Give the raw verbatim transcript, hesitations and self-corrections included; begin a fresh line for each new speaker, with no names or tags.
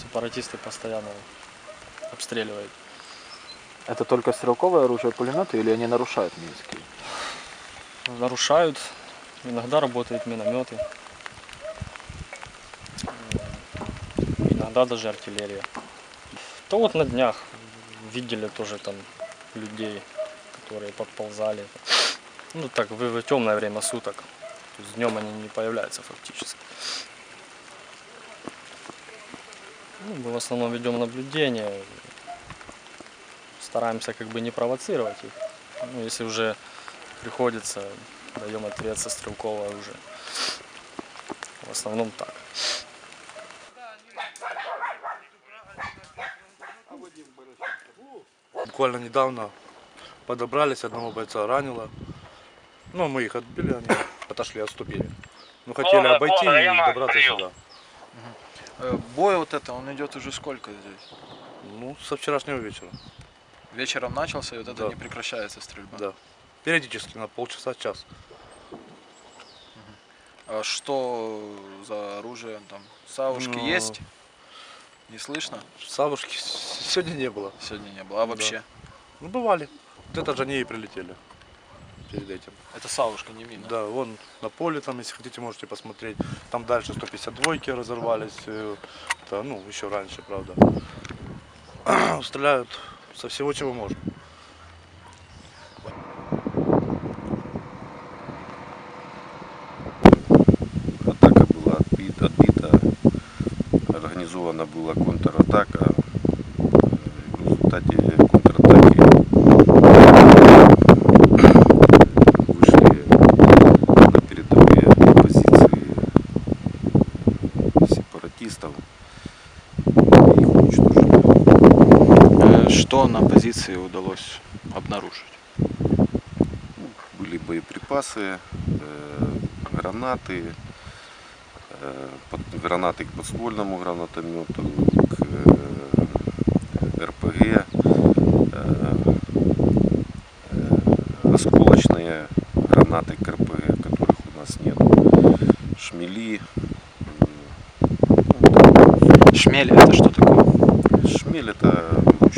сепаратисты постоянно обстреливают.
Это только стрелковое оружие, пулеметы, или они нарушают минские?
Нарушают. Иногда работают минометы. Иногда даже артиллерия. То вот на днях видели тоже там людей, которые подползали. Ну так, в, в темное время суток. То есть днем они не появляются фактически. Ну, мы в основном ведем наблюдение. Стараемся как бы не провоцировать их. Ну, если уже приходится, даем ответ со стрелкового оружия. В основном так.
Буквально недавно подобрались, одного бойца ранило. Ну, мы их отбили, они отошли, отступили. Ну, хотели обойти и добраться сюда.
Бой вот это, он идет уже сколько здесь?
Ну, со вчерашнего вечера.
Вечером начался, и вот это
Да.
не прекращается стрельба?
Да. Периодически, на полчаса, час.
А что за оружие там? Савушки
Ну,
есть? Не слышно?
Савушки сегодня не было.
Сегодня не было. А вообще?
Да. Ну, бывали. Вот это же они и прилетели перед этим.
Это савушка, не мина?
Да, вон на поле там, если хотите, можете посмотреть. Там дальше сто пятьдесят два разорвались. Это, ну, еще раньше, правда. Стреляют со всего, чего можно.
Атака была отбита, отбита. Организована была контратака. В результате контратаки вышли на передовые позиции сепаратистов и их уничтожили.
Что на позиции удалось обнаружить?
Были боеприпасы, гранаты, гранаты к подствольному гранатомету, к эр пэ гэ, осколочные гранаты к эр пэ гэ, которых у нас нет, шмели.
Шмель — это что такое?
Шмель — это